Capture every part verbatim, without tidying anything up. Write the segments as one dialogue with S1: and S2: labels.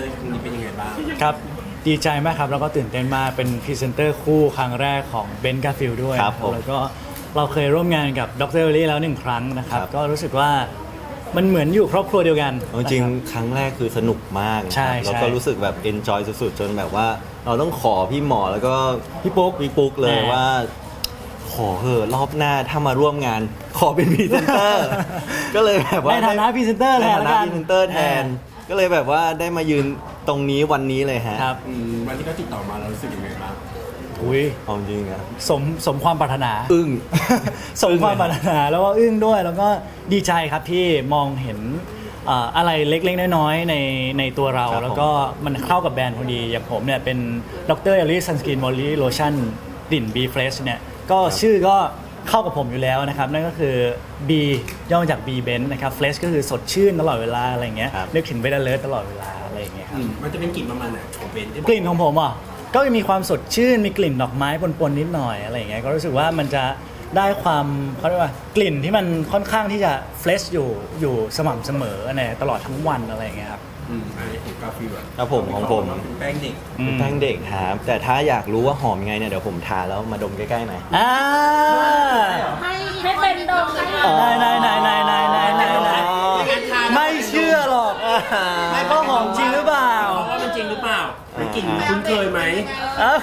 S1: อร์ครั้งนี้เป็นยังไงบ้าง
S2: ครับดีใจมากครับแล้วก็ตื่นเต้นมากเป็นพรีเซนเตอร์คู่ครั้งแรกของเบนซ์กาฟิลด้วย
S3: ครับผม
S2: แล้วก็เราเคยร่วมงานกับดรเอลลี่แล้วหนึ่งครั้งนะครับ
S3: ครับ
S2: ก็รู้สึกว่ามันเหมือนอยู่ครอบครัวเดียวกัน
S3: เอาจริงๆครั้งแรกคือสนุกมากนะ
S2: ใช่
S3: ครับ
S2: ใช่
S3: แล้วก็รู้สึกแบบ enjoy สุดๆ จนแบบว่าเราต้องขอพี่หมอแล้วก็
S2: พี่ปุ๊ก
S3: พี่ปุ๊กเลย
S2: แน่
S3: ว่า ขอเถอะรอบหน้าถ้ามาร่วมงาน ขอเป็นพรีเซนเตอร์ ก็เลยแบบว่า
S2: ในฐานะพรีเซนเตอร์
S3: ใน
S2: แทน
S3: ฐา
S2: แล้ว
S3: นะ
S2: กัน
S3: พรีเซนเตอร์แทน ก็เลยแบบว่าได้มายืนตรงนี้วันนี้เลยฮะ
S2: ครับ
S1: อืมวันที่เขาติดต่อมาเรารู้สึกยังไงบ้าง
S2: อุ้ย
S3: เอาจริงนะ
S2: สมสมความปรารถนา
S3: อึ้ง
S2: สมความปรารถนาแล้วก็อึ้งด้วยแล้วก็ดีใจครับที่มองเห็นเอ่ออะไรเล็กๆน้อยๆในในตัวเรา
S3: ครับผม
S2: แล้วก็มันเข้ากับแบรนด์พอดี อย่างผมเนี่ยเป็นดรเอลลี่ซันสกินมอลลี่โลชั่นกลิ่น B Fresh เนี่ยก็ชื่อก็เข้ากับผมอยู่แล้วนะครับ นั่นก็คือ B ย่อมาจาก B Benz นะครับ Fresh ก็คือสดชื่นตลอดเวลาอะไรอย่างเงี้ย
S3: ครับ
S2: นึกถึงเบนเลิร์ตลอดเวลาอะไรอย่างเงี้ยครับ
S1: อืมมันจะเป็นกลิ่นประมาณไหนของเบนที่
S2: กลิ่นของผมอ่ะก็มีความสดชื่นมีกลิ่นดอกไม้ปนๆนิดหน่อยอะไรอย่างเงี้ยก็รู้สึกว่ามันจะได้ความเขาเรียกว่ากลิ่นที่มันค่อนข้างที่จะเฟรชอยู่อยู่สม่ำเสมอในตลอดทั้งวันอะไรอย่างเงี้ยครับ
S1: อืมอันนี้ของกาฟิลอะ
S3: ครับผมของผม
S1: เป็นแป้งเด็ก
S2: อืม
S3: แป้งเด็กครับแต่ถ้าอยากรู้ว่าหอมยังไงเนี่ยเดี๋ยวผมทาแล้วมาดมใกล้ๆหน่อย
S2: อ่า
S4: ให้ให้เป็นดงเลย
S3: อ๋อ
S2: นายนายนายนายนายนายนายไม่เชื่อหรอกไม่ก็หอมจริงหรือเปล่า
S1: เพราะว่ามันจริงหรือเปล่าเป็นกลิ่นคุ้นเคยไหม
S2: เอ้าก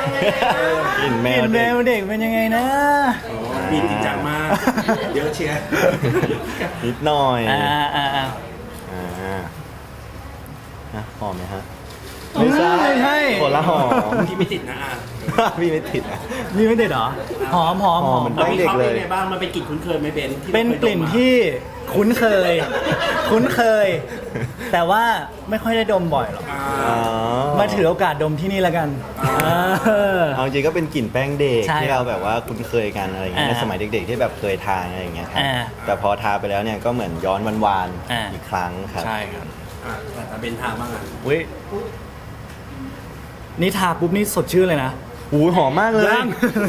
S3: ลิ่นแม
S2: กลิ่
S3: วน
S2: แม
S3: เด็ก
S2: วเด็กเป็นยังไงนะ
S1: อ๋อบีบจริงจังมาก เยอะเชียร์
S3: นิดหน่อย
S2: อ่าอ่าอ่า
S3: อ่าอ่ะหอมไหมฮะ
S2: ไม่ใช่ไม่ใช่
S3: คนละหอม
S1: ที่ไม่ติดนะอ่ะ
S3: พี่ไม่ติดอ่ะ
S2: นี่ไม่เด็ดเหรอหอมหอมห
S3: ห
S2: อ
S3: อม
S2: ม
S3: เหมือน
S1: เรา
S3: แป้ง
S1: วิ
S3: เด็
S1: เค
S3: ก
S1: ราะห์
S3: เล
S1: เป็น
S3: ย
S1: ไงบ้างมันเป็นกลิ่นคุ้นเคยไหมเบนที่รา
S2: เป็นกลิ่น
S1: คยดมมา
S2: ที่คุ้นเคย คุ้นเคย แต่ว่าไม่ค่อยได้ดมบ่อยหรอก
S1: อ่า
S3: อ๋อ
S2: มาถือโอกาสดมที่นี่แล้วกัน
S1: อ่า
S2: เออ
S3: เอาจริงก็เป็นกลิ่นแป้งเด็ก
S2: ใช่
S3: ที่เราแบบว่าคุ้นเคยกันอะไรอย่างเงี้ย
S2: อ่า
S3: ในสมัยเด็กๆที่แบบเคยทานอะไรอย่างเงี้ยครับ
S2: อ่า
S3: แต่พอทาไปแล้วเนี่ยก็เหมือนย้อนวาน
S2: อ่า
S3: ๆอีกครั้งครับ
S2: ใช่ครับ
S1: อ่ะแต่เบนทาบ้างอ่ะ
S2: อุ้ยนี่ทาปุ๊บนี่สดชื่นเลยนะ
S3: หูหอมมากเลย
S2: ยัง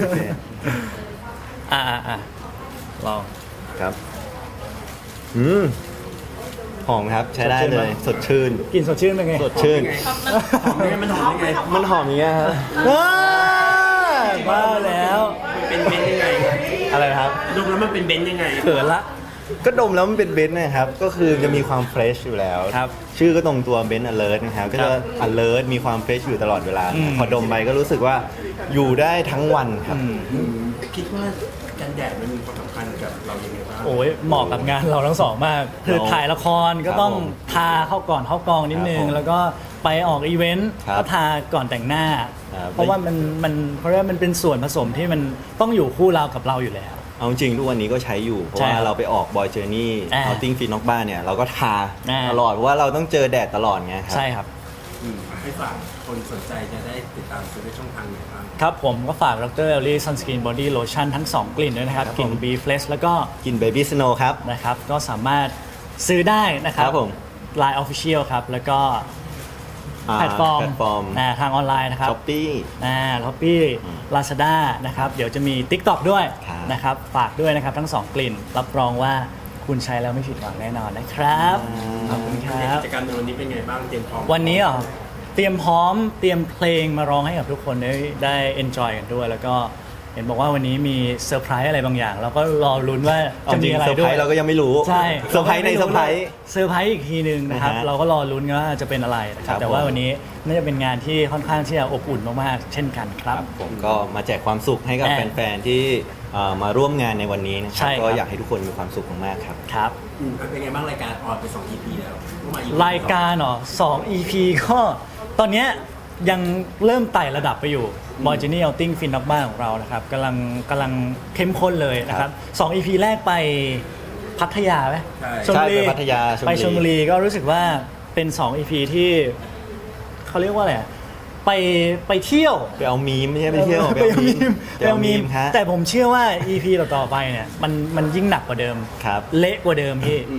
S2: อ่าอ่าอ่าลอง
S3: ครับ อืมหอมครับใช้ได้
S2: สดชื่น
S3: เล
S2: ไหม
S3: ย สดชื่น
S2: กลิ่นสดชื่นเป็นไง
S3: สดชื่น
S1: หอมยังไงมันหอมยังไง
S3: มันหอมอย่างเงี้ยครับ
S2: ว้าบ้าแล้ว
S1: มันเป็นเบนยังไง
S3: อะไรนะครับ
S1: ดมแล้วมันเป็นเบนยังไง
S2: เขินละ
S3: ก็ดมแล้วมันเป็นเบนซ์นะครับ ก็คือจะมีความเฟรชอยู่แล้ว
S2: ครับ
S3: ชื่อก็ตรงตัวเบนซ์ alert นะครับ ก็จะ alert มีความเฟรชอยู่ตลอดเวลา
S2: อืม
S3: พอดมไปก็รู้สึกว่าอยู่ได้ทั้งวันครับ
S2: อืม
S1: อืมคิดว่ากันแดดมันมีความสำคัญกับเรายังไงบ้าง
S2: โอ้ยเหมาะกับงานเราทั้งสองมาก คือ
S3: เรา
S2: ถ่ายละครก็ต้อง
S3: ครับผม
S2: ทาเข้าก่อนเข้ากองนิดนึ
S3: ครั
S2: ง
S3: บผม
S2: แล้วก็ไปออกอีเวนต์
S3: ครับ
S2: ก็ทาก่อนแต่งหน้า
S3: ครับ
S2: เพราะว่ามันมันเพราะว่ามันเป็นส่วนผสมที่มันต้องอยู่คู่เรากับเราอยู่แล้ว
S3: เอาจริงทุกวันนี้ก็ใช้อยู่ เพราะ
S2: ใช่
S3: ว่า
S2: ครับ
S3: เราไปออกบอยเจอร์นี่
S2: อ่า
S3: เอาติ้งฟีนอกบ้านเนี่ย เราก็ทา
S2: อ่า
S3: ตลอด เพราะว่าเราต้องเจอแดดตลอดไงครับ
S2: ใช่ครับ
S1: อืมให้ฝากคนสนใจจะได้ติดตามซื้อในช่องทางไหนบ้าง
S2: ครับผมก็ฝากดรเอลลี่ซันสกินบอดี้โลชั่นทั้ง สอง กลิ่นด้วยนะครับ
S3: ครับ
S2: กลิ่น
S3: ผม
S2: B Fresh แล้วก็
S3: กินเบบี้สโนว์ครับ
S2: นะครับ ก็สามารถซื้อได้นะครับ
S3: ครับผม
S2: Line Official ครับ แล้วก็
S3: อ่า
S2: แพลตฟอร์ม
S3: แพลตฟอร์ม
S2: อ่าทางออนไลน์นะครับ
S3: ช้อปปี้
S2: อ่าท็อปปี้ลาซาด้านะครับ เดี๋ยวจะมี TikTok ด้วย
S3: ครับ
S2: นะครับ ฝากด้วยนะครับทั้ง สอง กลิ่น รับรองว่าคุณใช้แล้วไม่ผิดหวังแน่นอนนะครับ ขอบคุณค
S1: กิ
S2: รับ
S1: จกรรมในวันนี้เป็นไงบ้างเตรียมพร้อม
S2: วันนี้เหรอเตรียมพร้อมเตรียมเพลงมาร้องให้กับทุกคนได้ได้ enjoy กันด้วย แล้วก็เห็นบอกว่าวันนี้มีเซอร์ไพรส์อะไรบางอย่าง เราก็รอลุ้นว่า
S3: เอา
S2: จะ
S3: จริ
S2: มี
S3: ง
S2: อะไร
S3: เซอร์ไพ
S2: ด้
S3: ร
S2: วย
S3: ส์เราก็ยังไม่รู้
S2: ใช่
S3: เซอร์ไพรส์ในเซอร์ไพรส์
S2: เซอร์ไพรส์อีกทีหนึ่งนะครับ
S3: นะฮะ
S2: เราก็รอลุ้นว่าจะเป็นอะไรนะครับ
S3: ครับ
S2: แต่ว่า
S3: ผม
S2: วันนี้น่าจะเป็นงานที่ค่อนข้างที่จะอบอุ่นมากๆเช่นกันครับ
S3: ผมก็มาแจกความสุขให้กับ
S2: อ่า
S3: แฟนๆที่เอ่อมาร่วมงานในวันนี้นะค
S2: ใช่
S3: รับ
S2: ครับ
S3: ก็อยากให้ทุกคนมีความสุขมากๆครับ
S2: ครับ
S1: อืมเป็นไงบ้างรายการออนไปสอง อี พี แล้วเมื่อวาน อี พี
S2: รายการเหรอสอง อี พี ก็ตอนเนี้ยยังเริ่มไต่ระดับไปอยู่บอยเจนี่เอาติ้งฟินนอกบ้านของเรานะครับกำลังกำลังเข้มข้นเลยนะครับสอง อี พี แรกไปพัทยาไหม
S1: ใช่
S2: ชลบุรี
S3: ใช่ไปพัทยาชลบุรี
S2: ไปชลบุรีก็รู้สึกว่าเป็นสอง อี พี ที่เขาเรียกว่าอะไรอะไปไปเที่ยว
S3: ไปเอามีมไม่ใช่ไปเที่ยว
S2: ไปเอามีม
S3: ไปเอามีมฮะ
S2: แต่ผมเชื่อว่า อี พี ต่อๆไปเนี่ยมันมันยิ่งหนักกว่าเดิม
S3: ครับ
S2: เละกว่าเดิมพี่
S1: อืม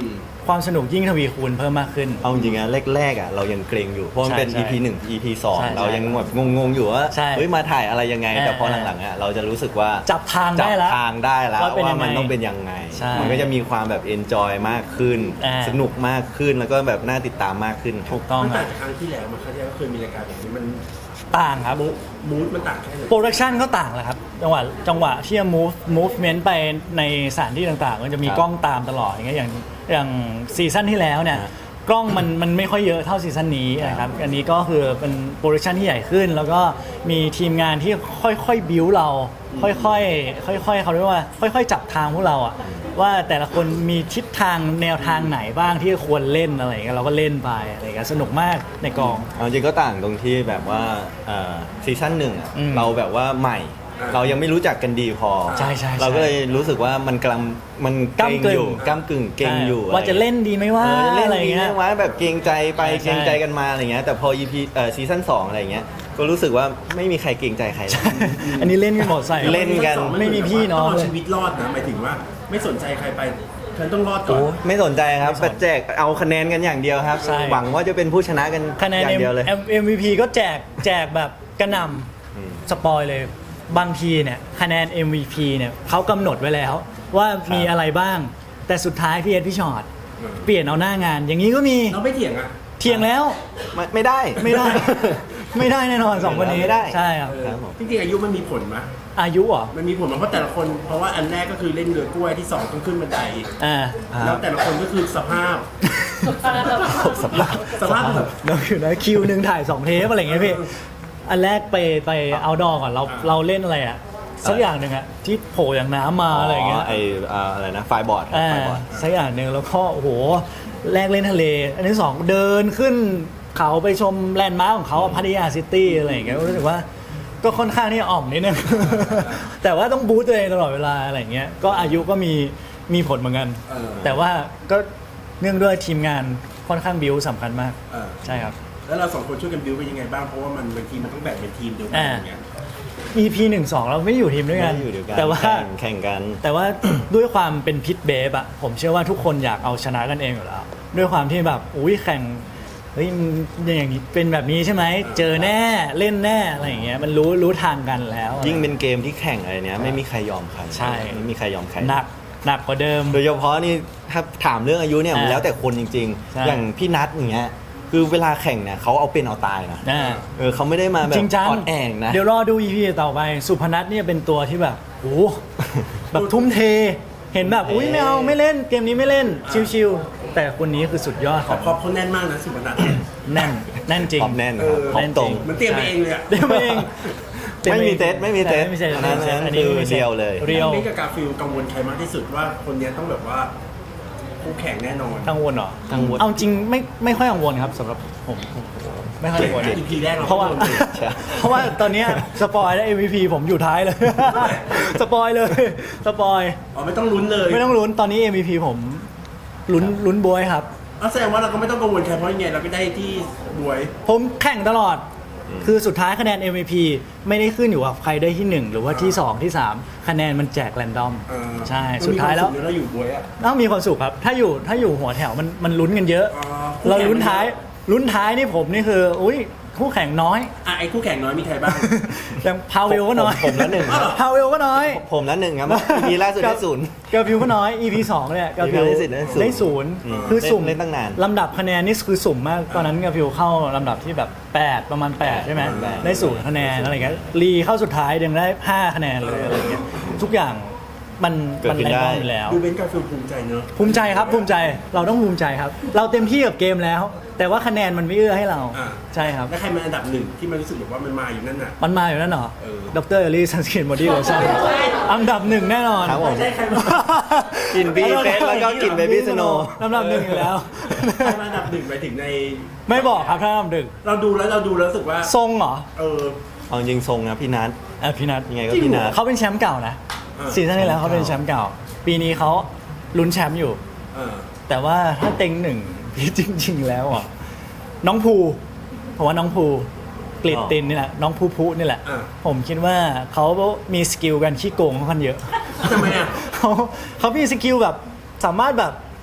S2: ความสนุกยิ่งทวีคูณเพิ่มมากขึ้น
S3: เอาจริงๆนะแรกๆอ่ะเรายังเกรงอยู่เพราะมันเป็น
S2: ใช่
S3: อี พี หนึ่ง อี พี สอง
S2: ใช่
S3: เรายังแบบงงๆอยู่ว่า
S2: ใช่
S3: เฮ้ยมาถ่ายอะไรยังไง
S2: เออ
S3: แต่พอหลังๆอ่ะเราจะรู้สึกว่า
S2: จับทางได้แล้ว
S3: จับทางได้แล้ว
S2: ว่าเป็น
S3: ว่า
S2: ยังไง
S3: มันต้องเป็นยังไง
S2: ใช่
S3: มันก็จะมีความแบบเอนจอยมากขึ้น
S2: อ่า
S3: สนุกมากขึ้นแล้วก็แบบน่าติดตามมากขึ้น
S2: ถูกต้อง
S1: มัน
S2: ค
S1: ต่า
S2: รับ
S1: งจากครั้งที่แล้วมาครั้งที่แล้วก็เคยมีรายการแบบนี้มัน
S2: ต่างครับ
S1: มูดมันต่างแค่ไหน
S2: โปรดักชันก็ต่างแหละครับจังหวะจังหวะที่จะ move movement ไปในสถานที่ต่างๆ มันจะมี
S3: ครับ
S2: กล้องตามตลอดอย่างเงี้ยอย่างอย่างซีซั่นที่แล้วเนี่ย
S3: ฮะ
S2: กล้องมันมันไม่ค่อยเยอะเท่าซีซั่นนี้นะครับอันนี้ก็คือเป็นโปรดักชันที่ใหญ่ขึ้น แล้วก็มีทีมงานที่ค่อยๆบิวเรา ค่อยๆค่อยๆเขาเรียกว่าค่อยๆจับทางพวกเราอะว่าแต่ละคนมีทิศทางแนวทางไหนบ้างที่ควรเล่นอะไรอย่างเงี้ยเราก็เล่นไปอะไรอย่างเงี้ยสนุกมากในกอง
S3: เอาจริงก็ต่างตรงที่แบบว่าเอ่อซีซั่นหนึ่งอะ
S2: อืม
S3: เราแบบว่าใหม่ เรายังไม่รู้จักกันดีพอ
S2: ใช่ใช่ใช่
S3: เราก็เลยรู้สึกว่ามันกลำมันเกรงอยู่
S2: ก้ำกึ่ง
S3: ก้ากึ่งเกรงอยู่
S2: ว่าจะเล่นดีไหมว่า
S3: เออจะเล่น
S2: อะไร
S3: ดี
S2: เงี้
S3: ไห
S2: ย
S3: มว่าแบบเกรงใจไป
S2: ใช่
S3: เกรงใจกันมาอะไรเงี้ยแต่พอ อี พี เอ่อซีซั่นสองอะไรเงี้ยก็รู้สึกว่าไม่มีใครเกรงใจใครเลย
S2: อันนี้เล่นกันหมดใส่
S3: เล่นกัน
S2: ไม่มีพี่น้อง
S1: ต้
S2: เลย
S1: เอาชีวิตรอดนะหมายถึงว่าไม่สนใจใครไปฉันต้องรอดก่อ
S3: โอ้
S1: น
S3: ไม่สนใจครับ
S2: ไม่สน
S3: แจกเอาคะแนนกันอย่างเดียวครับ
S2: ใช่
S3: หวังว่าจะเป็นผู้ชนะกัน
S2: คะแนน
S3: อย่างเดียวเลย
S2: เอ็มวีพีก็แจกแจกแบบกระหน
S3: อืม
S2: ำสปอยเลยบางทีเนี่ยคะแนน เอ็ม วี พี เนี่ยเขากำหนดไว้แล้ว ว่ามีอะไรบ้าง แต่สุดท้ายพี่เอ็ดพี่ชอต
S1: อืม
S2: เปลี่ยนเอาหน้างาน อย่างนี้ก็มี
S1: เราไม่เถียงอ่ะ
S2: เทียงแล้ว
S3: ไม่ไม่ได้
S2: ไม่ได้ ไม่ได้แน่นอนสองคนนี้
S3: ไม่ได้
S2: ใช่ครับ
S1: เออ
S3: ครับผม
S1: จริงๆอายุมันมีผลไหม
S2: อายุเหรอ
S1: มันมีผลไหมเพราะแต่ละคน เพราะว่าอันแรกก็คือเล่นเรือกล้วยที่สองต้องขึ้นบันได
S2: อ่า
S1: แล้วแต่ละคนก็คือสภาพ
S3: สภาพ
S1: สภาพแบบ
S2: เราอยู่นะคิวหนึ่งถ่ายสองเทปอะไรอย่างเงี้ยพี่ อันแรกไปไปเอาดอก่อนเรา
S1: อ่า
S2: เราเล่นอะไรอ่ะสักอย่างหนึ่งอ่ะที่โผล่อย่างน้ำมาอะไรอย่างเงี้ย
S3: ไออ่าอะไรนะไฟบอร์ด
S2: อ่า
S3: ไฟบอร์ด
S2: สักอย่างหนึ่งแล้วก็โอ้โหแรกเล่นทะเล อันที่สองเดินขึ้นเขาไปชมแลนด์มาร์คของเขาอะพัทยาซิตี้อะไรอย่างเงี้ยรู้สึกว่าก็ค่อนข้างที่จะอ่อมนิดนึง แต่ว่าต้องบูสต์ตัวเองตลอดเวลาอะไรอย่างเงี้ยก็อายุก็มีมีผลเหมือนกัน
S1: เออ
S2: แต่ว่าก็เนื่องด้วยทีมงานค่อนข้างบิวสำคัญมาก
S1: เออ
S2: ใช่ครับ
S1: แล้วเราสองคนช่วยกันบิวเป็นยังไงบ้าง เพราะว่ามันบางทีมันต้องแบ่งเป็นทีมเดียวกัน
S2: อ่า
S1: อย่างเงี้ย
S2: อี พี หนึ่ง สองเราไม่ได้อยู่ทีมด้วยกัน
S3: ไม่ได้อยู่เดียวกัน
S2: แต่ว่า
S3: แข่งแข่งกัน
S2: แต่ว่า ด้วยความเป็นพิษเบฟอะผมเชื่อว่าทุกคนอยากเอาชนะกันเองอยู่แล้ว ด้วยความที่แบบอุ้ยแข่งเฮ้ยมันอย่างนี้เป็นแบบนี้ใช่ไหมเจอแน่เล่นแน่อะไรอย่างเงี้ยมันรู้รู้ทางกันแล้ว
S3: ยิ่งเป็นเกมที่แข่งอะไรเนี้ยไม่มีใครยอมใคร
S2: ใช่
S3: ไม่มีใครยอมใคร
S2: หนักหนักกว่าเดิม
S3: โดยเฉพาะนี่ถ้าถามเรื่องอายุเนี่ยมัน
S2: อ่า
S3: แล้วแต่คนจริง
S2: ใช่
S3: ๆ อย่างพี่นัทอย่างเงี้ยคือเวลาแข่งเนี่ยเขาเอาเป็นเอาตายนะ
S2: อ่า
S3: เออเขาไม่ได้มาแบบ
S2: จริงจัง
S3: อ่อนแองนะ
S2: เดี๋ยวรอดู อี พี ต่อไปสุพนัทเนี่ยเป็นตัวที่แบบโอ้โหแบบทุ่มเท เห็นแบบอุ้ยไม่เอาไม่เล่นเกมนี้ไม่เล่นชิวๆแต่คนนี้คือสุดยอดข
S1: แต่
S2: อง
S1: พอเขาแน่นมากนะสุพนัทเนี่ย
S2: แน่นแน่นจริง
S3: พร้อมแน่น
S1: เอ
S3: ครับ
S1: อ
S3: พร้อมตรง
S1: มันเตรียมไปเองเลยอะ
S2: เดี๋ยวเอง
S3: ไม่มีเซตไม่มีเซต
S2: ไม่มีเซต
S3: อันนั้น
S2: อันนี้
S3: คือ
S2: ไม่มีซต
S3: เรียวเลย
S2: เรียว
S1: นี่กับกาฟิลกังวลใครมากที่สุดว่าคนเนี้ยต้องแบบว่าคู่แข่งแน่นอน
S2: กังวลเหรอ
S3: กังวล
S2: เอาจริงไม่ไม่ค่อยกังวลครับสำหรับผมผมไม่ค่อยกังวล
S1: อีพีแรกเรา
S2: เพราะว่า
S1: ไม่โดนเลย
S3: ใช่
S2: เพราะว่าตอนเนี้ยสปอยแล้ว เอ็ม วี พี ผมอยู่ท้ายเลย สปอยเลย สปอย
S1: อ๋อไม่ต้องลุ้นเลย
S2: ไม่ต้องลุ้นตอนนี้ เอ็ม วี พี ผมลุ้นลุ้นบวยครับ
S1: อ๋อแสดงว่าเราก็ไม่ต้องกังวลใครเพราะยังไงเราก็ได้ที่บวย
S2: ผมแข่งตลอด คือสุดท้ายคะแนน เอ็ม วี พี ไม่ได้ขึ้นอยู่กับใครได้ที่หนึ่งหรือว่าที่สองที่สามคะแนนมันแจกแรนดอม
S1: เออ
S2: ใช่สุดท้ายแล้ว
S1: มันมีคมสุขเนอะเราอยู่บวยอ่ะ
S2: ต้องมีความสุขครับ ถ้าอยู่ถ้าอยู่หัวแถวมันมันลุ้นกันเยอะ
S1: อ๋อ
S2: เราลุ้นท้ายลุ้นท้ายนี่ผมนี่คือ อุ้ยคู่แข่งน้อย
S1: อ่ะไอ้คู่แข่งน้อยมีใครบ้าง
S2: อย่างพาวเวลก็น้อย
S3: ผมผมละหนึ่งครับ
S2: พาวเวลก็น้อย
S3: ผมละหนึ่งครับอีพีล่าสุดได้ศูนย์
S2: กาฟิวก็น้อย อี พี สองเนี่ยกาฟิว
S3: ได้สิทธิ์ได้ศูนย์
S2: ได้ศูนย์
S3: อืม
S2: คือสุ่ม
S3: เล่นตั้งนาน
S2: ลำดับคะแนนนี่คือสุ่มมาก ตอนนั้นกาฟิวเข้าลำดับที่แบบแปดประมาณแปดใช่ไหม
S3: แปด
S2: ได้ศูนย์คะแนนอะไรเงี้ยรีเข้าสุดท้ายยังได้ห้าคะแนนเลยอะไรเงี้ยทุกอย่างมัน
S3: เกิด
S2: มัน
S3: ขึ้น
S2: แรง
S3: ได้
S2: อยู่แล้ว
S1: ดูเบนซ์กาฟิลภูมิใจเนอะ
S2: ภูมิใจครับภูมิใจเราต้องภูมิใจครับ เราเต็มที่กับเกมแล้ว แต่ว่าคะแนนมันไม่เอื้อให้เรา
S1: อ่า
S2: ใช่ครับ
S1: แล้วใครเป็นอันดับหนึ่งที่มันรู้สึกแบบว่ามันมาอยู่นั่นน่ะ
S2: มันมาอยู่นั่นเหรอ
S1: เออ
S2: ดรเอลลี่ซันสกินบอดี้โลชั่นอันดับหนึ่งแน่นอน
S3: ครับผม
S1: ใช่ใครมา
S3: กินบีเฟสแล้วก็กินเบบี้สโน
S2: ลำดับหนึ่งอยู่แล้ว
S1: ใครมาอันดับหนึ่งไปถึงใน
S2: ไม่บอกครับถ้าลำดับหนึ่ง
S1: เราดูแล้วเราดูแล้วรู้สึกว่า
S2: ทรงเหรอ
S1: เออ
S3: เอาจริงทรงนะพี่นัท
S2: อ่ะพี่นัท
S3: ยังไงก็พี่นัท
S2: เขาเป็นแชมป์เก่านะ
S1: อ่า
S2: ซีซั่นที่แล้วเขาเป็นแชมป์เก่า ปีนี้เขาลุ้นแชมป์อยู่
S1: เออ
S2: แต่ว่าถ้าเต็งหนึ่ง พี่จริง ๆ แล้วอ่ะน้องภูผมว่าน้องภูกลิดตินนี่แหละน้องภูภูนี่แหละ
S1: อ่า
S2: ผมคิดว่าเขามีสกิลกันขี้โกงค่อนข้างเยอะ
S1: ทำไมอ่ะ
S2: เขาเขามีสกิลแบบสามารถแบบ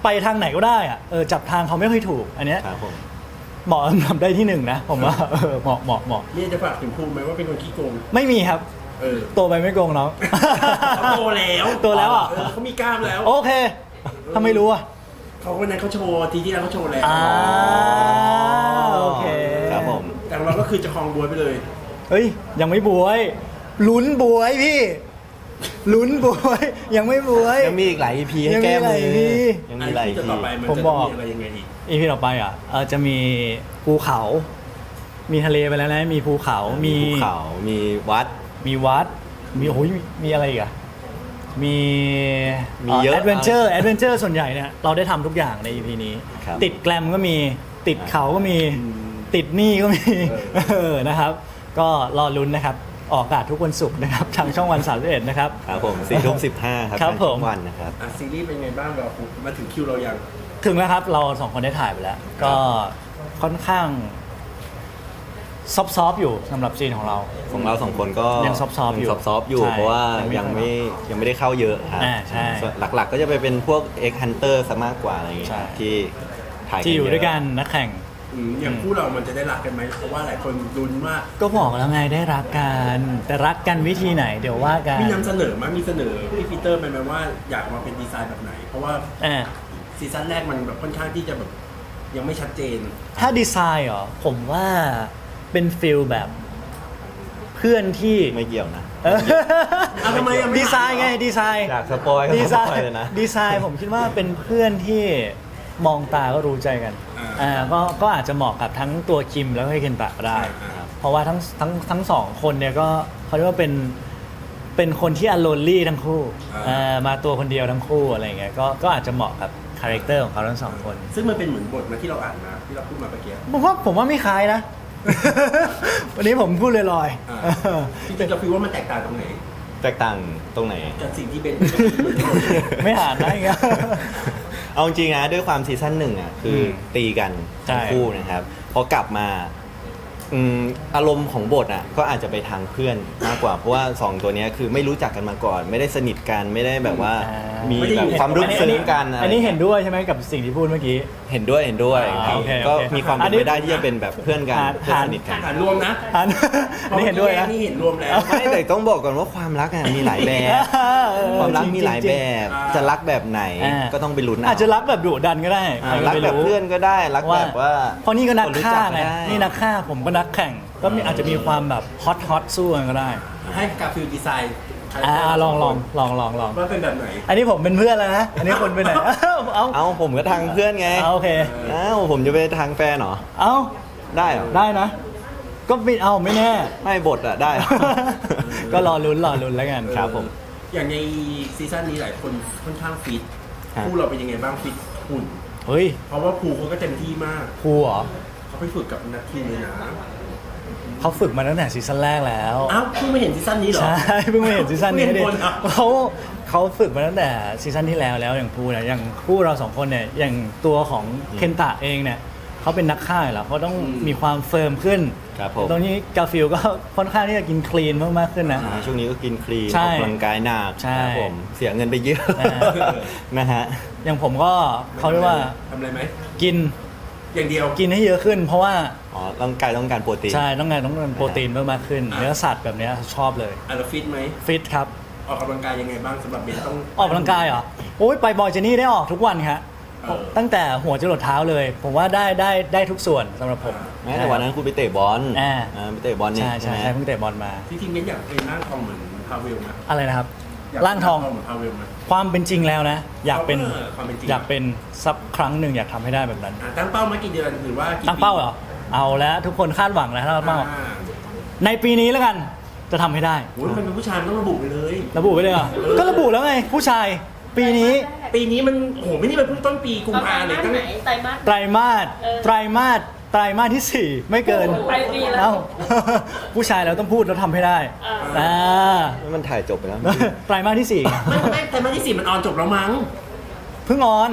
S2: ไปทางไหนก็ได้อะเออจับทางเขาไม่ค่อยถูกอันเนี้ย
S3: ครับผม
S2: เหมาะทำได้ที่หนึ่งนะผมว่าเออเหมาะเหมาะเหมาะ
S1: นี่จะฝากถึงภูมิไหมว่าเป็นคนขี้โกง
S2: ไม่มีครับ
S1: เออ
S2: โตไปไม่โกงน้อง
S1: เขาโตแล้ว
S2: โตแล้วอ่ะ
S1: เออเขามีกล้ามแล้ว
S2: โอเคทำไมรู้อ่ะ
S1: เขาวันนั้นเขาโชว์ทีที่แล้วเขาโชว์แล้ว
S2: อ่าโอเค
S3: ครับผม
S1: แต่ของเราก็คือจะคลองบัวไปเลย
S2: เฮ้ยยังไม่บวยลุ้นบวยพี่ลุ้นบวยยังไม่บวย
S3: ยังมีอีกหลาย อี พี ให้แก้มือ
S2: ยังมีหลาย EP
S3: ยังมีหลาย
S1: ที่จะ
S3: ที
S1: ต่อไปมัน
S2: ผม
S1: จะ
S2: บ
S1: ต้
S2: อ
S1: อก งมีอะไรยังไงอีก
S2: อีพีต่อไปอ่ะเออจะมีภูเขา มีทะเลไปแล้วนะมีภูเขา มี
S3: ภูเขา มีวัด
S2: มีวัด มีโอ้ยมีอะไรอีกอะมี
S3: มีเยอะ
S2: แอดเวนเจอร์แอดเวนเจอร์ส่วนใหญ่เนี่ยเราได้ทำทุกอย่างใน อี พี นี้
S3: ครับ
S2: ติดแกลมก็มีติดเขาก็มี ติดหนี้ก็มีเออนะครับ ก็รอลุ้นนะครับ ออกอากาศทุกวันศุกร์นะครับ ทางช่องวันสามสิบเอ็ดนะครับ
S3: ครับผมสี่ทุ่มสิบห้าครับ
S2: ครับ
S3: ทาง
S2: ผ
S3: ช่อ
S2: ม
S3: งวันนะครับ
S1: อ่ะซีรีส์เป็นไงบ้างเรามาถึงคิวเรายัง
S2: ถึงแล้วครับ เราสองคนได้ถ่ายไปแล้ว ก็ค่อนข้างซอฟๆอยู่สำหรับซีนของเรา
S3: ของเราสองคนก็
S2: ยังซอฟต์ๆอยู่
S3: ยังซอฟต์ๆอยู่
S2: ใช่
S3: เพราะว่า
S2: ยั
S3: ยัง ง
S2: ไม่
S3: ไม่ยังไม่ได้เข้าเยอะครับ
S2: อ่าใช่
S3: ส่วนหลักๆ ก็จะไปเป็นพวก X Hunter ซะมากกว่าอะไรอย่างเงี้ย
S2: ใช่
S3: ที่ถ่าย
S2: ที่อยู่
S3: เะ
S2: ด้วยกันนักแข่ง
S1: อืมอย่างคู่เรามันจะได้รักกันไหมเพราะว่าหลายคนลุ้นว่า
S2: ก็บอกแล้วไงได้รักกัน แต่รักกันวิธีไหนเดี๋ยวว่ากัน
S1: มีนำเสนอมั้ยมีเสนอพี่ปีเตอร์ไปไหมว่าอยากมาเป็นดีไซน์แบบไหน เพราะว่า
S2: อ่า
S1: ซีซั่นแรกมันแบบค่อนข้างที่จะแบบยังไม่ชัดเจน
S2: ถ้าดีไซน์เหรอผมว่าเป็นฟิลแบบเพื่อนที่
S3: ไม่เกี่ยวนะ
S2: เออ
S1: เอาทำไมอะไม่
S2: ดีไซน์ไงดีไซน์
S3: อยากสปอยก็
S2: ดี
S3: ส
S2: ไซ
S3: ป
S2: น์
S3: อยเลยนะ
S2: ดีไซน์ผมคิดว่าเป็นเพื่อนที่มองตาก็รู้ใจกันอ่าก็ก็อาจจะเหมาะกับทั้งตัวคิมแล้วก็เคนตะก็ได้ เพราะว่าทั้งทั้งทั้งสองคนเนี่ยก็เขาเรียกว่าเป็นเป็นคนที่อโลนลี่ทั้งคู่อ่ามาตัวคนเดียวทั้งคู่อะไรเงี้ยก็ก็อาจจะเหมาะกับคาแรคเตอร์ของเขาทั้งสองคน
S1: ซึ่งมันเป็นเหมือนบทมาที่เราอ่านมาที่เราพูดมาเมื่อกี้
S2: ผมว่าผมว่าไม่คล้ายนะ วันนี้ผมพูดลอย
S1: อ่า
S2: ๆ
S1: จริงๆเราคิดว่ามันแตกต่างตรงไหน
S3: แตกต่างตรงไหน
S1: จากสิ่งที่เป็น
S2: ไม่หานได้ไง
S3: เอาจริงๆนะด้วยความซีซั่นหนึ่งอ่ะคืออ
S2: ม
S3: ตีกัน
S2: ใช่
S3: ทั้งคู่นะครับพอกลับมาอืมอารมณ์ของบทอ่ะก็อาจจะไปทางเพื่อนมากกว่า เพราะว่าสองตัวเนี้ยคือไม่รู้จักกันมาก่อน ไม่ได้สนิทกันไม่ได้แบบว่า
S2: อ่ามี
S3: มีแบบความรู้ซึ้งกันอะไร
S2: อันนี้เห็นด้วยใช่ไหมกับสิ่งที่พูดเมื่อกี้
S3: เห็นด้วยเห็นด้วย
S2: อ่า
S3: ครับ
S2: โอเค
S3: ก็
S2: โอเค
S3: มีความ
S2: อั
S3: เป็น น
S2: นี้
S3: ไปได้ที่จะเป็นแบบเพื่อนกัน
S2: หา
S3: เพื่อนสนิทกัน
S1: อ่านรวมนะ
S2: อันอันนี้เห็นด้วยนะ
S1: นี่เห็นรวมแล้ว
S3: ไม่แต่ต้องบอกก่อนว่าความรักอ่ะมีหลายแบบ
S2: เออ
S3: ความรักมีหลาย
S2: จ
S3: แบ
S2: ริง
S3: บ
S1: อ่า
S3: จะรักแบบไหน
S2: อ่า
S3: ก็ต้องไปลุ้นเ
S2: อาจจะรักแบบดุดันก็ได้
S3: อ่า
S2: ใค
S3: รัก
S2: ไม่
S3: แบบเพื่อนก็ได้รักแบบว่า
S2: เพราะนี่ก็นัก
S3: ครู้
S2: ฆ่า
S3: จั
S2: ไง
S3: ด้
S2: นี่นักฆ่าผมก็นักแข่ง ก็มีอาจจะมีความแบบฮอตฮอตสู้กันก็ได้
S1: ให้กาฟิลดีไซน์
S2: อ่าลองลองลองลองลอง
S1: ว่าเป็นแบบไหน
S2: อันนี้ผมเป็นเพื่อนแล้วนะ อันนี้คนไปไหน เอ้าเอา
S3: เอ้าผมก็ทางเพื่อนไง
S2: เอาโอเค
S3: เอ้าผมจะไปทางแฟนเหรอ
S2: เอา
S3: ได้เหรอ
S2: ได้นะ ก็ไม่เอาไม่แน่
S3: ไม่บทอะได้เหรอ
S2: ก็รอลุ้นรอลุ้นแล้วกัน
S3: ครับผม
S1: อย่างในซีซั่นนี้หลายคนค่อนข้างฟิต
S3: ครับ
S1: คู่เราเป็นยังไงบ้างฟิตหุ่น
S2: เฮ้ย
S1: เพราะว่าภูเขาก็เต็มที่มาก
S2: ครูเหรอ
S1: เขาไปฝึกกับนักทีมเลยนะ
S2: เขาฝึกมาตั้งแต่ซีซั่นแรกแล้ว
S1: อ้าวเพิ่งไม่เห็นซีซั่นนี้เหรอ
S2: ใช่ เพิ่งมาเห็นซีซั่นนี้
S1: เพิ่ง
S2: ดิ
S1: เห็นคนอ่ะ
S2: เขาเขาฝึกมาตั้งแต่ซีซั่นที่แล้วแล้วอย่างพูเนี่ยอย่างคู่เราสองคนเนี่ยอย่างตัวของเคนตะเองเนี่ยเขาเป็นนักฆ่าอยู่แล้วเขาต้องมีความเฟิร์มขึ้น
S3: ครับผม
S2: ตรงนี้กาฟิลก็ค่อนข้างที่จะกินคลีนมากๆขึ้นนะ
S3: อ่าช่วงนี้ก็กินคลีน
S2: ใช่
S3: ออกกำลังกายหนัก
S2: ใช่
S3: ครับผมเสียเงินไปเยอะ
S2: อ่า
S3: นะฮะ
S2: อย่างผมก็เขาเรียกว่า
S1: ทำอะไรไหม
S2: กิน
S1: อย่างเดียว
S2: กินให้เยอะขึ้น เพราะว่า
S3: อ๋อร่างกายต้องการโปรตีน
S2: ใช่ต้องการต้องการโปรตีนเพิ่มมากขึ้น
S1: อ่า
S2: เนื้อสัตว์แบบเนี้ยชอบเลย
S1: อ่ะเราฟิตไหม
S2: ฟิตครับ
S1: ออกกำลังกายยังไงบ้างสำหรับเบนต้อง
S2: ออกกำลังกายเหรอโอ้ยไปบอยเจนี่ได้ออกทุกวันครับ
S1: เออ
S2: ตั้งแต่หัวจรดเท้าเลย ผมว่าได้ได้ได้ทุกส่วนสำหรับผม
S3: แม้แต่วันนั้นคุณไปเตะบอล
S2: อ่า
S3: อ่าไปเตะบอลเนี่ย
S2: ใช่ใช่
S3: ไหม
S2: ใช่เพิ่งเตะบอลมา
S1: ที่จริงเบนอยากเป็นร่างทองเหมือนพาเวลนะ
S2: อะไรนะครับ
S1: ยก
S2: ร่างทอง
S1: เหมือนพาเวลนะ
S2: ความเป็นจริงแล้วนะ อยากเป็น
S1: เออความเป็นจริง
S2: อยากเป็นสักครั้งหนึ่งอยากทำให้ได้แบบนั้น
S1: อ่ะตั้งเป้ามากี่เดือนหรือว่ากี่
S2: ตั้งเป้าเหรอ เอาแล้วทุกคนคาดหวังแล้วตั้ง
S1: ปี
S2: เป้า
S1: อ่า
S2: ในปีนี้แล้วกัน จะทำให้ได้
S1: โอ้ยมันเป็นผู้ชายมันต้องระบุไปเลย
S2: ระบุไว้เลยเหรอก็ระบุแล้วไง ผู้ชาย ปีนี้
S1: ปีนี้มันโอ้โหไม่นี่มันเพิ่งต้นปีกุม
S4: เอาไตร
S1: ภาเลย
S4: มาส
S1: ตั้ง
S4: ไหนไตรมาส
S2: ไตรมาส
S4: เออ
S2: ไตรมาสไตรมาสที่สี่ไม่เกิน
S4: ปลายปีแล้ว
S2: เอ้า ผู้ชายเราต้องพูดแล้วทำให้ได้
S4: อ่า
S2: อ่า
S3: มันถ่ายจบไปแล้ว
S2: ไตรมาสที่สี่
S1: ไม่ไม่แต่มาที่สี่มันออนจบแล้วมั้ง
S2: เพิ่งออน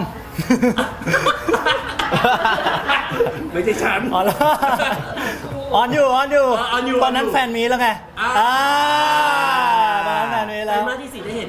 S1: ไม่ใช่ฉัน
S2: ออนแล้วออนอยู่ออนอยู่
S1: ออนอยู่
S2: ตอนนั้นแฟนมีแล้วไง
S1: อ่า
S2: อ่าตอนนั้นแฟนมี
S1: ไตร
S2: แล้ว
S1: มาสที่สี่ได้เห็นแน่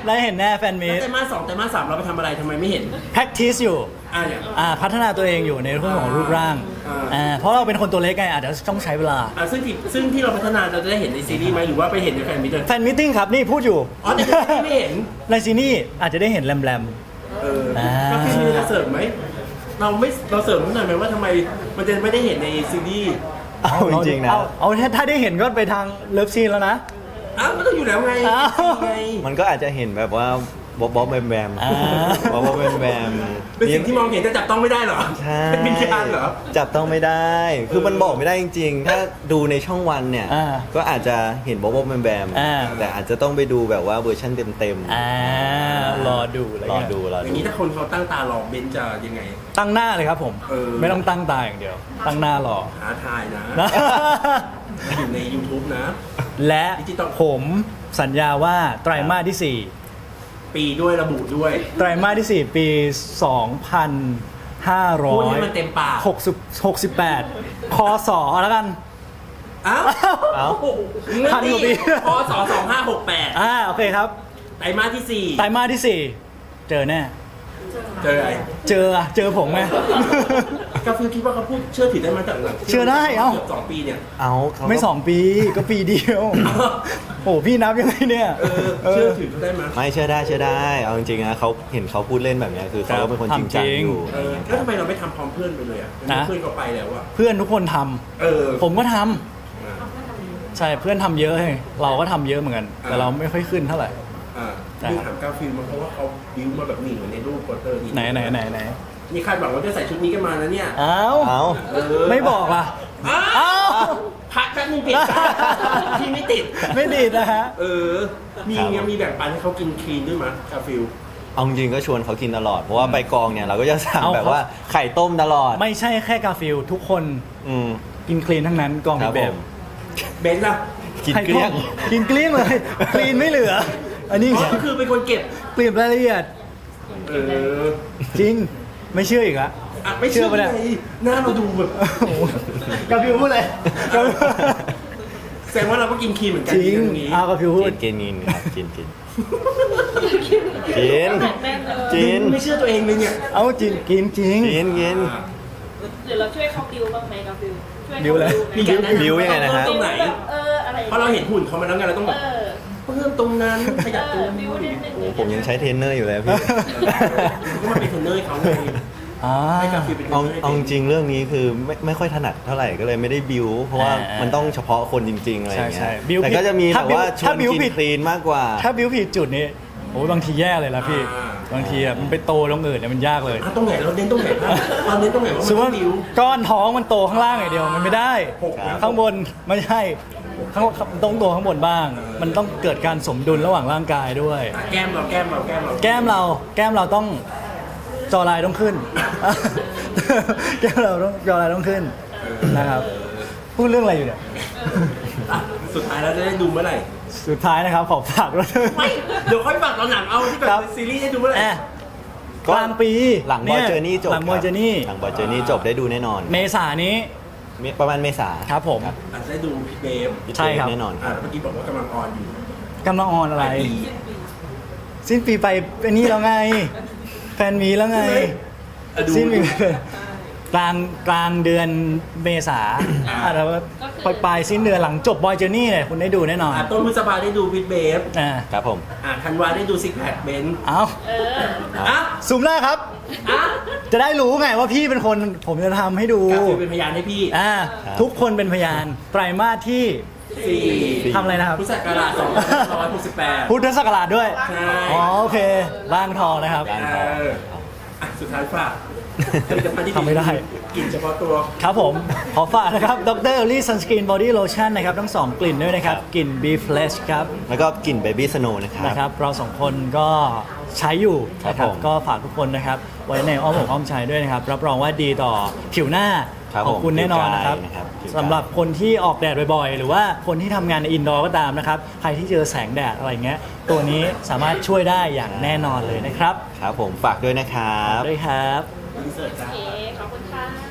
S2: ได้เห็นแน่แฟนมี
S1: แล้ว
S2: ต
S1: ไตรมาสสองไตรมาสสามเราไปทำอะไรทำไมไม่เห็น
S2: practice อยู่
S1: อ่าเนี่ย
S2: อ่าพัฒนาตัวเองอยู่ในเรื่องของรูปร่าง
S1: อ่า
S2: อ่าเพราะเราเป็นคนตัวเล็กไงอาจจะต้องใช้เวลา
S1: อ่าซึ่งที่ซึ่งที่เราพัฒนาเราจะได้เห็นในซีรีส์ไหมหรือว่าไปเห็นในแฟนมิตรเลย
S2: แฟนมิทติ้งครับนี่พูดอยู่
S1: อ๋อในซีรีส์ไม่เห็น
S2: ในซีนี่อาจจะได้เห็นแรม
S1: เออ
S2: อ่า
S1: ก็พี่มีจะเสริมไหมเราไม่เราเสริมหน่อยไหมว่าทำไมมันจะไม่ได้เห็นในซีรีส์
S2: ๆ
S3: เอาจริงๆนะ
S2: เอาเอาถ้าถ้าได้เห็นก็ไปทางเลิฟซีนแล้วนะ
S1: อ้าวมันต้องอยู่แล้วไง
S2: อ้าว
S1: ไง
S3: มันก็อาจจะเห็นแบบว่าบ๊อบบ๊อบแบมแบม
S2: อ่า
S3: บ๊อบบ๊อบแบมแบม
S1: เป็นสิ่งที่มองเห็นแต่จับต้องไม่ได้เหรอ
S3: ใช่
S1: เป็นวิญญาณเหรอ
S3: จับต้องไม่ได้ คือมันบอกไม่ได้จริงๆ ถ้าดูในช่องวันเนี่ย
S2: อ่า
S3: ก็อาจจะเห็นบ๊อบบ๊อบแบมแบม
S2: อ่า
S3: แต่อาจจะต้องไปดูแบบว่าเวอร์ชันเต็ม
S2: อ่ารอดูอะไร
S3: รอ
S2: เงี้ย
S3: ดูรอ
S1: อย่าง
S3: ดู
S1: นี้ถ้าคนเขาตั้งตารอเบนซ์จะยังไง
S2: ตั้งหน้าเลยครับผม
S1: เออ
S2: ไม่ต้องตั้งตาอย่างเดียว ตั้งหน้ารอ
S1: หาทายนะ
S2: นะ
S1: อยู่ใน YouTube นะ
S2: และ
S1: ดิจิตอล
S2: ผมสัญญาว่าไตรมาสที่สี่
S1: ปีด้วยระบุด้วย
S2: ไตรมาสที่สี่ปีสองพันห้าร้อ
S1: พูด
S2: ย
S1: ให้มันเต็มปาก
S2: หกสิบหกสิบแปดคศแล้วกัน
S1: อ้าว
S3: เอ้า
S2: พันกว่าปี
S1: พศสองห้าหกแปด
S2: อ่าโอเคครับ
S1: ไตรมาสที่สี่
S2: ไตรมาสที่สี่เจอแน่
S1: เจออะไร
S2: เจออะเจอผมไหม
S1: กาฟิลคิดว่าเขาพูดเชื่อถือได้มาจากหลัง
S2: เชื่อได้เอ้า
S1: เกือบสองปีเนี่ย
S3: เอาเขาก็
S2: ไม่สองปีก็ปีเดียว โอ้พี่นับยังไงเนี่ย
S1: เออเชื่อถือเขาได้ไหม
S3: ไม่เชื่อได้เชื่อได้ เอาจริงๆนะเขาเห็นเขาพูดเล่นแบบเนี้ยคือเขาก็เป็นคนจริงจังอยู่
S1: เออแล้วทำไมเราไม่ทำพร้อมเพื่อนไปเลยอ่ะ
S2: นะ
S1: เพื่อนก็ไปแล้วอ่ะ
S2: เพื่อนทุกคนทำ
S1: เออ
S2: ผมก็ทำ
S1: อ่า
S2: ใช่เพื่อนทำเยอะให้เราก็ทำเยอะเหมือนกัน แต่เราไม่ค่อยขึ้นเท่าไหร่
S1: อ่า
S2: ใช่
S1: ดู
S2: ครับ
S1: ถามกาฟิลมาเพราะว่าเขาบิวมาแบบหนีเหมือนในรูปโปสเตอร์ที่
S2: ไหนไหนไหนไหน
S1: นี่คาดหวังว่าจะใส่ชุดนี้กันมานะเนี่ย
S2: อ้าว
S3: เอา
S1: เออ
S2: ไม่บอกล่ะ
S1: อ้า
S2: อ้าว ว
S1: พักแป๊บนึงเปลี่ยนใจที่ไม่ติด
S2: ไม่ดีดนะฮะ
S1: เออ มียังมีแบ่งปันให้เขากินคลีนด้วยมั้ยกาฟิล
S3: เอาจริงๆก็ชวนเขากินตลอด เพราะว่าไปกองเนี่ยเราก็จะสั่ง
S2: เอา
S3: แบบ
S2: เขา
S3: ว่าไข่ต้มตลอด
S2: ไม่ใช่แค่กาฟิลทุกคน
S3: อืม
S2: กินคลีนทั้งนั้นกอง
S3: ครับ
S2: แบ
S3: ผ
S2: บ
S3: ม
S1: เบนซ์ล่ะ
S3: กินเกลี้ยง
S2: กินเกลี้ยงเลยคลีนไม่เหลือ อันนี้
S1: อ๋อก็คือเป็นคนเก็บ
S2: เปลี่ยนรายละเอียด
S1: เออ
S2: จริงไม่เชื่ออีกละ
S1: อ่ะไม่เชื่อ
S2: เชื่อปะเนี่ย
S1: ไงหน้าเราดูแบบ
S2: โอ้โหกาฟิลพูดเลยกาฟิล
S1: แสดงว่าเราก็กินครีมเหมือนกัน
S2: จริง
S1: เรื่องนี้
S2: เอากาฟิลพูด
S3: กินกินกินครับกินกินกิน
S4: แม่นเลย
S3: กิน
S1: ไม่เชื่อตัวเองเลยเนี่ย
S2: เอาจริงกินจริง
S3: กินกิน
S1: อ่ะ
S4: หรือเราช่วยเขาดิวบ้างไหมกับดิวช่วย
S2: ดิวอะไร
S1: มีการแนะนำ
S3: บิวยังไงนะฮะ
S1: ตรงไหน
S4: แบบเอออะไร
S1: เพราะเราเห็นหุ่นเขามาแล้วไงเราต้องแบบ
S4: เออ
S1: เพิ่มตรงนั้นขยับตรง
S4: เออบิ
S1: นี้
S4: วนิดนึง
S3: โอ้ผมยังใช้เทรนเนอร์อยู่เลยพี่
S1: ก็มาเป็นเทรนเนอร์ให้เขาไง
S2: อ่า
S1: ให้กาฟิลเป็นเทรน
S3: เอา
S1: เนอร์ให้
S3: เอาจริงๆเรื่องนี้คือไม่ไม่ค่อยถนัดเท่าไหร่ก็เลยไม่ได้บิวเพราะว่า
S2: อ่ามั
S3: มันต้องเฉพาะคนจริงๆอะไรอย่าง
S2: ใช่
S3: เงี้ย
S2: ใช่บิว
S3: แต่
S2: ผิด
S3: ก็จะมี
S2: ถ้า
S3: แบบว่า
S2: บิว
S3: ชว
S2: ถ้าน บิว
S3: กิน
S2: ผิด
S3: คลีนมากกว่า
S2: ถ้าบิวผิดจุดนี้โอ้ยบางทีแย่เลยนะพี่
S1: อ่า
S2: บางทีอ่ะมันไปโตตรงอื่นเนี่ยมันยากเลย
S1: อ่ะตรงไหนเราเน้นตรงไหนบ้างเราเน้นตรงไหนว่า
S2: สมม
S1: มัน
S2: ติ
S1: ต้องดิว
S2: ก้อนท้องมันโตข้างล่างอย่างเดียวมันไม่ได้
S1: หกนะ
S2: ข้างบนไม่ใช่ข้างต้องโตข้างบนบ้าง มันต้องเกิดการสมดุลระหว่างร่างกายด้วย
S1: อ่ะแก้มเราแก้มเราแก้มเรา
S2: แก้มเราแก้มเราต้องจอลายต้องขึ้น แก้มเราต้องจอลายต้องขึ้นนะครับพูดเรื่องอะไรอยู่เนี่ย
S1: อ่ะสุดท้ายเราจะได้ดูเมื่อไหร่
S2: สุดท้ายนะครับขอฝากด้วย
S1: ไม่เดี๋ยวค่อยฝากตอนหนังเอาที่แบ
S2: ครับ บ
S1: ซีรีส์ให้ดูเมื่อไหร่
S2: แอะกลางปี
S3: หลังบอยเจอร์นี่จบ
S2: หลังบอยเจอร์นี่
S3: หลังบอยเจอร์นี่จบได้ดูแน่นอน
S2: เมษานี้
S3: ประมาณเมษา
S2: ครับผม
S1: อาจจะได้ดูพี่เบฟ
S2: ใช่ครับ
S3: แน่นอนค
S1: อ่ะ
S3: รับ
S1: เมื่อกี้บอกว่ากำลังออนอยู่
S2: กำลังออนอะไร
S1: ปลายปี
S2: สิ้นปีไปเป็นนี่แล้วไง แฟนมีแล้วไง
S1: ใช่ไหมอ่ะดู
S2: สิ้นปีกลางกลางเดือนเมษา
S1: อ่า
S2: อาจจะปลายปลายสิ้นเดือนหลังจบบอยเจอร์นี่เนี่ยคุณได้ดูแน่นอน
S1: อ่ะต้นพฤษภาได้ดูพี่เบฟ
S2: อ่า
S3: ครับผม
S1: อ่ะธันวาได้ดูซิกแพคเบนซ์
S2: เอา
S4: เออ
S1: อ่ะ
S2: ซูมหน้าครับ
S1: อ่ะ
S2: จะได้รู้ไงว่าพี่เป็นคนผมจะทำให้ดู
S1: กาฟิลเป็นพยานให้พี่
S2: อ่า
S3: ครับ
S2: ทุกคนเป็นพยาน ไตรมาสที่
S1: สี่
S2: ทำอะไรนะครับ
S1: พุทธศักราชสองพันห้าร้อยหกสิบแปด
S2: พุทธศักราชด้วย
S1: ใช่
S2: อ๋อโอเคร่างทองนะครับ
S3: ร่าง
S1: เอออ่ะสุดท้ายฝากผลิตภัณฑ์ที่
S2: ทำไม่ได้
S1: กลิ่นเฉพาะตัว
S2: ครับผม ขอฝากนะครับดรลี่ซันสกรีนบอดี้โลชั่นนะครับ ทั้งสองกลิ่นด้วยนะครับ
S3: ครับ
S2: กลิ่น Be Fresh ครับ
S3: แล้วก็กลิ่นเบบี้สโนว์นะครับ
S2: นะครับ เราสองคนก็ใช้อยู่
S3: ครับ
S2: นะครับ
S3: ผม
S2: ก็ฝากทุกคนนะครับ ไว้ในอ้อมอกอ้อมใจด้วยนะครับ รับรองว่าดีต่อผิวหน้า
S3: ครับ
S2: ของคุณ
S3: ผม
S2: แน่นอนนะครับ
S3: ผิวกายนะครับผิวกาย
S2: สำหรับคนที่ออกแดดบ่อยๆ หรือว่าคนที่ทำงานในอินดอร์ก็ตามนะครับ ใครที่เจอแสงแดดอะไรเงี้ย ตัวนี้สามารถช่วยได้อย่างแน่นอนเลยนะครับ
S3: ครับผมฝากด้วยนะครับ
S2: ด้วยครับ
S1: อินเสิร์ตจ้า
S4: โอเค ขอบคุณค่ะ